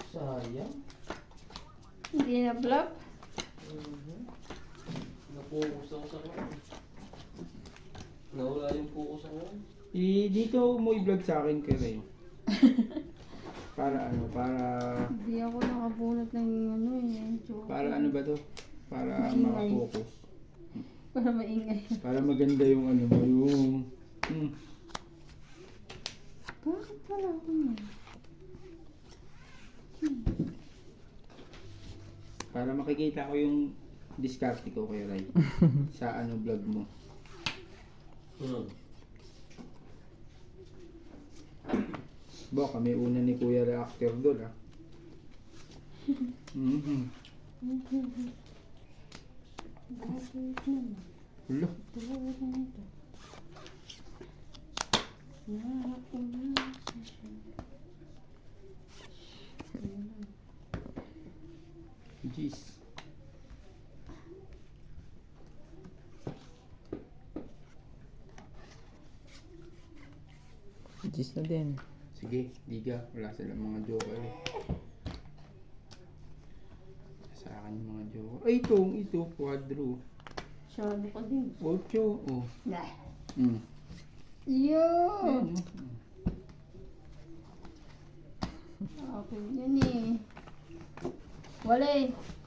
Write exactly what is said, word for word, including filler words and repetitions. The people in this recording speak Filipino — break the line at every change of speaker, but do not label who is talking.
Sayang.
Hindi na block.
Mhm. Napokus ako sa kanya. Nawala yung focus ako.
I, dito mo i-vlog sa akin ka rin. Para ano, para...
Hindi ako nakabunot ng ano eh. Joke.
Para ano ba to? Para
Maingay.
makapokus.
Para maingay.
Para maganda yung ano mo, yung... Hmm.
Bakit wala ako niya?
Para makikita ko yung diskarte ko kay Ray. Sa ano vlog mo.
Hmm.
Bo, kami una ni Kuya Reactor doon ah. Mm-hmm.
Bakit naman?
Hulo.
Tulad na ito. Naharap ko na siya.
Jeez.
Gis na din.
Sige, diga. Wala silang mga joker eh. Sa akin yung mga joker. Ay, ito, ito, quadro.
Sabi ko din.
Ocho. Oh.
Nah.
Mm.
Yo!
Ayan, oh.
Okay, yan eh. Wala eh.